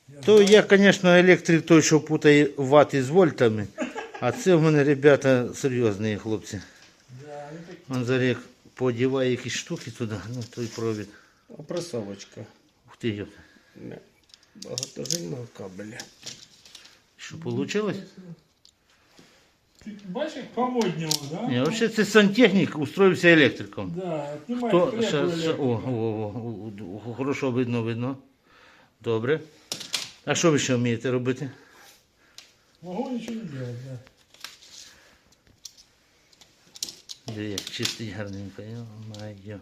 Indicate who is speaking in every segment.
Speaker 1: То я, звісно, електрик той, що путає вати з вольтами. А це в мене, ребята, серйозні хлопці. Он зараз як подіває якісь штуки туди, ну той провід.
Speaker 2: Опресовочка.
Speaker 1: Ух ти, йоп.
Speaker 2: Багатожильного кабеля.
Speaker 1: Що вийшло?
Speaker 3: Ти бачиш, як помодніло, да?
Speaker 1: Ні, взагалі це сантехнік устроївся електриком.
Speaker 3: Да, знімай
Speaker 1: То,
Speaker 3: требу
Speaker 1: хорошо видно. Добре. А що ви ще вмієте робити?
Speaker 3: Могу нічого не делать, да.
Speaker 1: Де як чистить гарненько, йо-майо.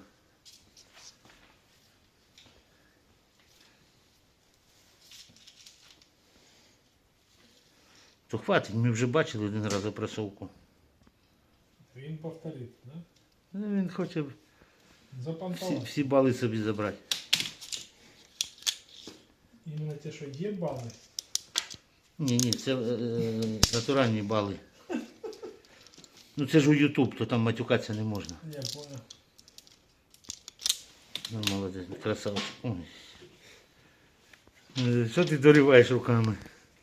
Speaker 1: То хватить, ми вже бачили один раз опресовку.
Speaker 3: Він повторить, да?
Speaker 1: Ну, він хоче
Speaker 3: Запантовать.
Speaker 1: всі бали собі забрати.
Speaker 3: Іменно те, що є бали.
Speaker 1: Ні, це натуральні бали. Ну це ж у YouTube, то там матюкатися не можна.
Speaker 3: Я понял.
Speaker 1: Ну, молодець, красавчик. Ой. Що ти дориваєш руками?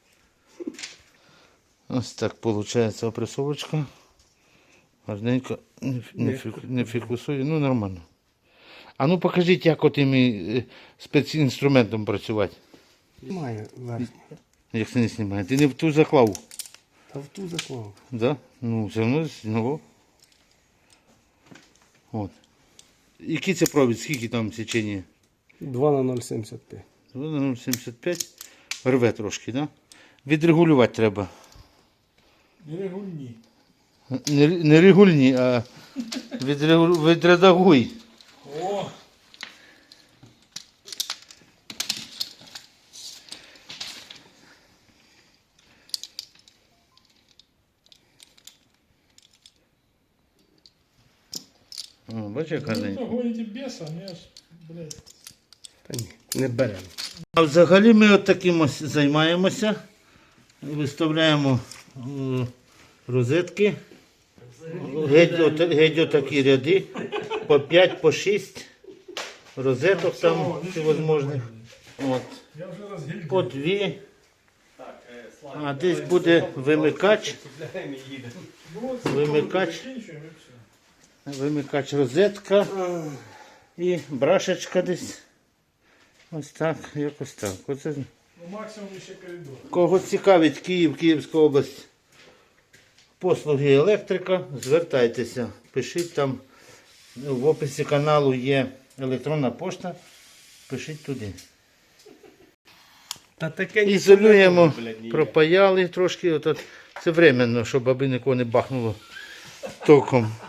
Speaker 1: Ось так виходить опресовочка. Гарненько не фікусує, ну нормально. А ну покажіть, як отим спецінструментом працювати.
Speaker 2: Знімаю верхню.
Speaker 1: Як це не знімає? Ти не в ту заклав?
Speaker 2: Та в ту заклав.
Speaker 1: Да? Ну, все одно знову. От. Який це провід? Скільки там сечення?
Speaker 2: 2 на 0,75.
Speaker 1: 0,75. Рве трошки, да? Відрегулювати треба.
Speaker 3: Регульні.
Speaker 1: Не регульні, а відредагуй.
Speaker 3: О!
Speaker 1: О, бачиш, як
Speaker 3: Ви то
Speaker 1: гарненько.
Speaker 3: гоните беса, я ж, блядь.
Speaker 2: Та ні, не беремо.
Speaker 1: А взагалі ми от таким ось займаємося. Виставляємо розетки. Геть отакі ряди. По 5, по 6 розеток там всевозможних. От.
Speaker 3: Я вже розгильдив.
Speaker 1: По 2. А десь буде вимикач. Вимикач.
Speaker 3: Закінчуємо і все.
Speaker 1: Вимикач розетка. І брашечка десь. Ось так, якось так. Оце.
Speaker 3: Ну, максимум ще коридор.
Speaker 1: Кого цікавить Київ, Київська область, послуги електрика, звертайтеся. Пишіть там, в описі каналу є електронна пошта, пишіть туди.
Speaker 2: Та таке
Speaker 1: Ізолюємо, пропаяли трошки, це временно, щоб аби нікого не бахнуло током.